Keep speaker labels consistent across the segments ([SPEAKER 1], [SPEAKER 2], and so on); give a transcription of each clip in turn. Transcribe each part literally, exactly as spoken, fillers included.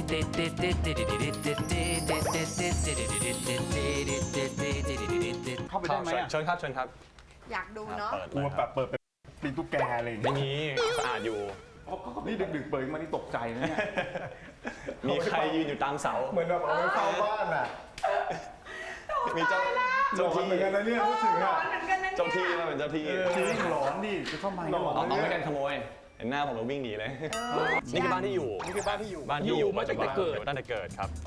[SPEAKER 1] เข้าไปได้ไหม
[SPEAKER 2] เชิญครับเชิญครับ
[SPEAKER 3] อยากดูเนาะ
[SPEAKER 1] กลัวแบบเปิดเป็นปีตุ๊กแกอะไรอย่าง
[SPEAKER 2] ไม่
[SPEAKER 1] เงี้ย
[SPEAKER 2] มีสะอาดอยู่
[SPEAKER 1] นี่ดึกๆเปิดมานี่ตกใจนะเนี่ย
[SPEAKER 2] มีใครยืนอยู่ตามเสา
[SPEAKER 1] เหมือนแบบเอาไว้เฝ้าบ้านอ่ะ
[SPEAKER 2] มีเจ้าเจ้าที่
[SPEAKER 1] เหมือนกันนะเนี่ยรู้สึกอ่ะ
[SPEAKER 2] เจ้าที่มาเป็นเจ้าที่
[SPEAKER 1] จริงหลอนดิจะเข้ามาหลอน
[SPEAKER 2] เอาไม่กันขโมยเห็นหน้าผมแล้ววิ่งหนีเลยนี่คือบ้านที่อยู่
[SPEAKER 1] นี่คือบ้านที่อยู่
[SPEAKER 2] บ้านที่อยู่มาตั้งแต่เกิดตั้งแต่เกิดครับ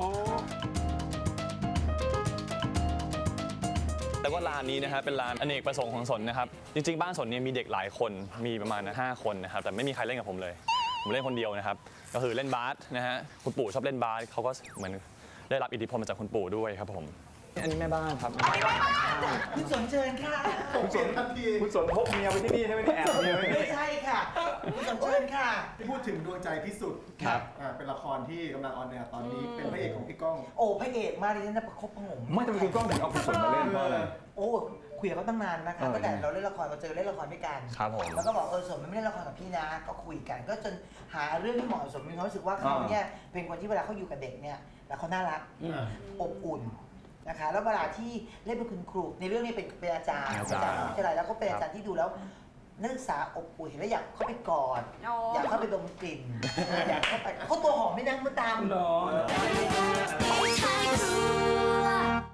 [SPEAKER 2] แต่ว่าร้านนี้นะครับเป็นร้านอเนกประสงค์ของสนนะครับจริงๆบ้านสนเนี่ยมีเด็กหลายคนมีประมาณห้าคนนะครับแต่ไม่มีใครเล่นกับผมเลยผมเล่นคนเดียวนะครับก็คือเล่นบาสนะฮะคุณปู่ชอบเล่นบาสเขาก็เหมือนได้รับอิทธิพลมาจากคุณปู่ด้วยครับผมอันนี้แม่บ้านครับ
[SPEAKER 4] คุณสนเชิญค่ะ
[SPEAKER 1] คุณสนทันทีคุณสนพกเมียไว้ที่นี่ใช่ไหมแอบเมียไว้
[SPEAKER 4] ไม่ใช่ค่ะคุณสนเชิญค่ะ
[SPEAKER 5] พูดถึงดวงใจพิสุทธิ์ครับเป็นละครที่กำลังออนแอร์ตอนนี้เป็นพระเอกของพี่ก้อง
[SPEAKER 4] โอ้พระเอกมากดิฉันจะประคบประหงม
[SPEAKER 1] ไม่ทำไมคุณก้องถึงเอาคุณสนมาเล่นเพราะอะไร
[SPEAKER 4] โอ้คุยกับเขาตั้งนานนะคะตั้งแต่เราเล่นละครเราเจอเล่นละครด้วยกัน
[SPEAKER 2] ครับผม
[SPEAKER 4] แล้วก็บอกเออสนมันไม่เล่นละครกับพี่นะก็คุยกันก็จนหาเรื่องที่เหมาะสมมีความรู้สึกว่าเขาเนี่ยเป็นคนที่เวลาเขาอยู่กับเด็กเนี่ยแล้วเขาน่ารักอบอุ่นนะคะแล้วเวลาที่เล่นเป็นคุณครูในเรื่องนี้เป็นเป็นอาจารย์อาจารย์วิทยาลัยแล้วก็เป็นอาจารย์ที่ดูแล้วนักศึกษาอบอุ่นเห็นแล้วอยากเข้าไปกอดอยากเข้าไปดมกลิ่นอยากเข้าไปเขาตัวหอมไม่นั่งมาตามหรอ